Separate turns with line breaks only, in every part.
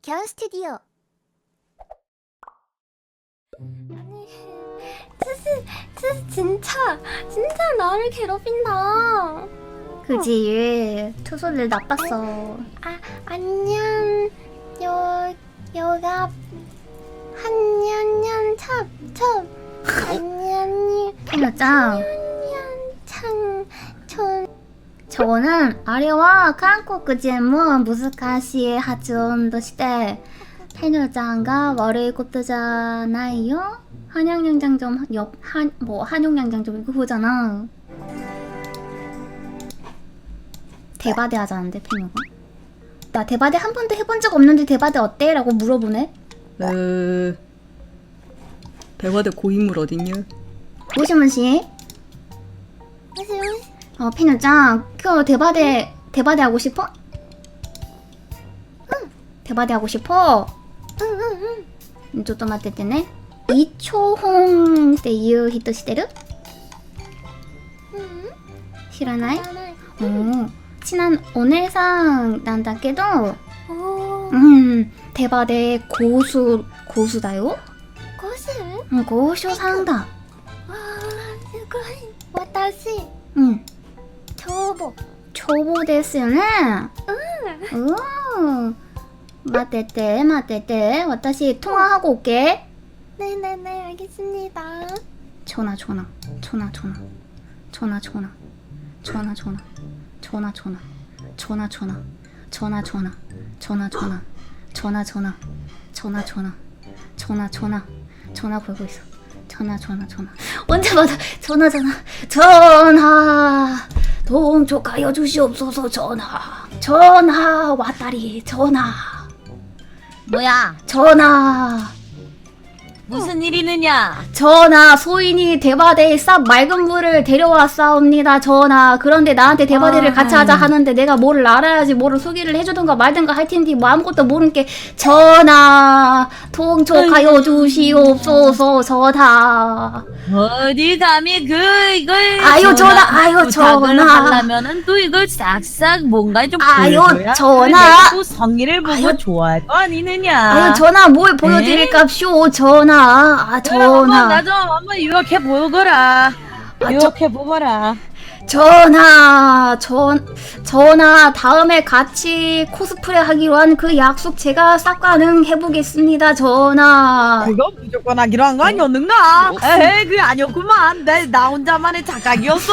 겨울 스튜디오.
아니, 투스 진짜 나를 괴롭힌다.
그지. 투소들 나빴어.
안녕. 요가 한년년 첩 안녕이
페녀짱,
창촌
저거는 아래와 한국 제목 무스카시 하준として페녀짱가 월요일 꽃도잖아요. 한양양장점 한용양장점 이거 그거잖아. 대바대 하자는데 페녀가. 나 대바대 한 번도 해본 적 없는데 대바대 어때? 라고 물어보네.
대화대 고인물 어딨냐?
무시무시. 페녀짱, 그 대바대 하고 싶어? 응. 대바대 하고 싶어? 응. ちょっと待っててね。イチョホンっていう人知ってる？知らない？친한 오네상なんだけど、대바대 고수다요?
고수?
高所さんだ。
わー、すごい。私、
초보ですよね。待ってて。私 통화하고 올게.
네네네, 알겠습니다.
전화. 전화 걸고 있어. 전화. 언제 받아? 전화. 동쪽 가여 주시옵소서. 전화 왔다리.
뭐야?
전화.
무슨 일 있느냐?
전하, 소인이 대바대에 싹 맑은 물을 데려왔사옵니다. 전하. 그런데 나한테 대바대를 같이 하자 하는데 내가 뭐를 알아야지 뭐를 소개를 해주든가 말든가 할 텐데 뭐 아무것도 모르는 게 전하, 통촉하여 주시옵소서. 전하.
어디 감히 이걸
전하.
하려면은 또 이걸 싹싹 뭔가 좀 보여줘야
전하.
또 성의를 보고 좋아할 거 아니느냐?
아유, 전하, 뭘 보여드릴까쇼. 전하. 전하.
나 좀 한번 유혹해 보거라. 유혹해 보거라.
전하, 다음에 같이 코스프레 하기로 한 그 약속 제가 싹 가능해보겠습니다, 전하.
그거 무조건 하기로 한 거 아니었는가? 에이, 그게 아니었구만. 나 혼자만의 착각이었어?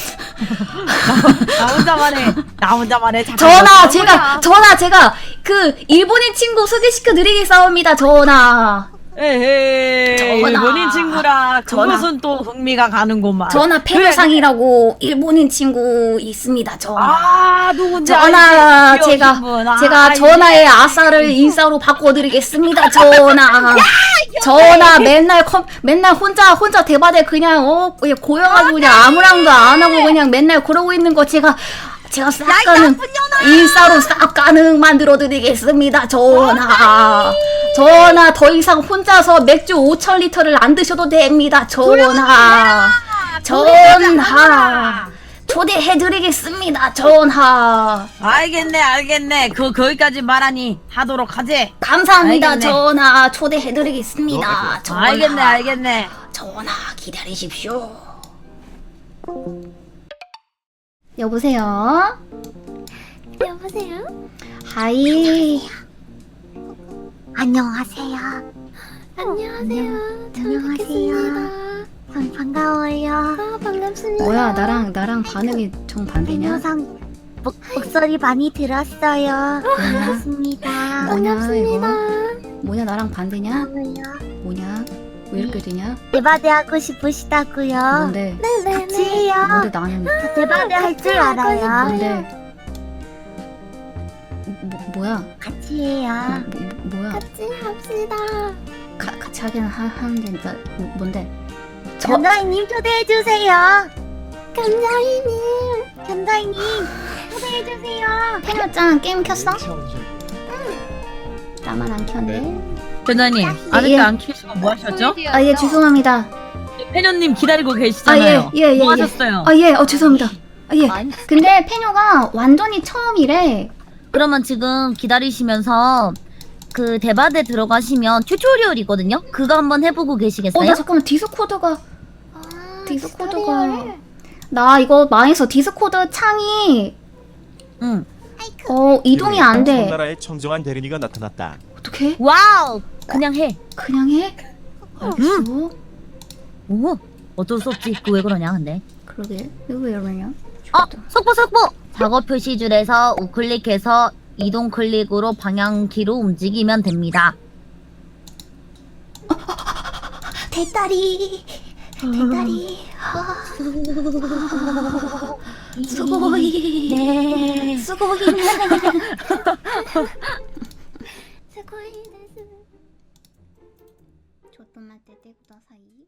나 혼자만의 착각이었어?
전하, 제가 그 일본인 친구 소개시켜드리겠사옵니다, 전하.
에헤이, 일본인 친구라. 그것은 또 흥미가 가는구만.
전하, 페녀상이라고 일본인 친구 있습니다, 전하.
누군지
전하,
알지?
제가 전하의 아싸를 인싸로 바꿔드리겠습니다, 전하. 전하, 맨날 혼자 대바대 그냥 고여가지고 그냥 아무랑도 안 하고 그냥 맨날 그러고 있는 거 제가 싹 가능 인싸로 싹 가능 만들어드리겠습니다, 전하. 전하, 더 이상 혼자서 맥주 5,000리터를 안 드셔도 됩니다, 전하. 초대해드리겠습니다, 전하.
알겠네. 거기까지 말하니 하도록 하지.
감사합니다,
알겠네.
전하. 초대해드리겠습니다, 전하.
알겠네.
전하, 기다리십시오. 여보세요?
여보세요?
하이.
안녕하세요. 처음 뵙겠습니다. 반가워요. 반갑습니다.
뭐야, 나랑 반응이 정반대냐?
영상 목소리 많이 들었어요. 반갑습니다.
뭐냐, 이거? 뭐냐, 나랑 반대냐? 뭐냐? 왜 이렇게 되냐?
대바대 하고 싶으시다고요?
뭔데?
같이 해요.
뭔데 나는?
저 대바대 할 줄 알아요.
뭔데? 뭐야?
같이 해요.
뭐야?
같이 합시다.
같이 하긴 하는데 뭔데?
견자이님 초대해주세요. 견자이님 초대해주세요.
페녀짱 게임 켰어? 나만 안 켰네.
변자님,
예.
아직도 안 키시고 뭐 하셨죠?
아, 예, 죄송합니다.
페녀님 기다리고 계시잖아요.
예.
뭐 하셨어요?
아, 예, 죄송합니다. 아, 예. 근데 페녀가 완전히 처음이래.
그러면 지금 기다리시면서
그 대바대 들어가시면 튜토리얼이거든요. 그거 한번 해보고 계시겠어요?
나 잠깐만 디스코드가
아,
디스코드가
튜토리얼을.
나 이거 망해서 디스코드 창이
응.
이동이 안 돼.
청나라의 청정한 대리니가 나타났다.
어떻게?
와우. 그냥 해.
그냥 해? 알았어.
오. 어쩔 수 없지. 그 왜 그러냐 근데.
그러게. 이거 왜 이러냐?
속보. 작업 표시줄에서 우클릭해서 이동 클릭으로 방향키로 움직이면 됩니다.
대다리. 대다리.
수고이.
네.
수고이.
스고이 데스.
조금만 때 구다사이.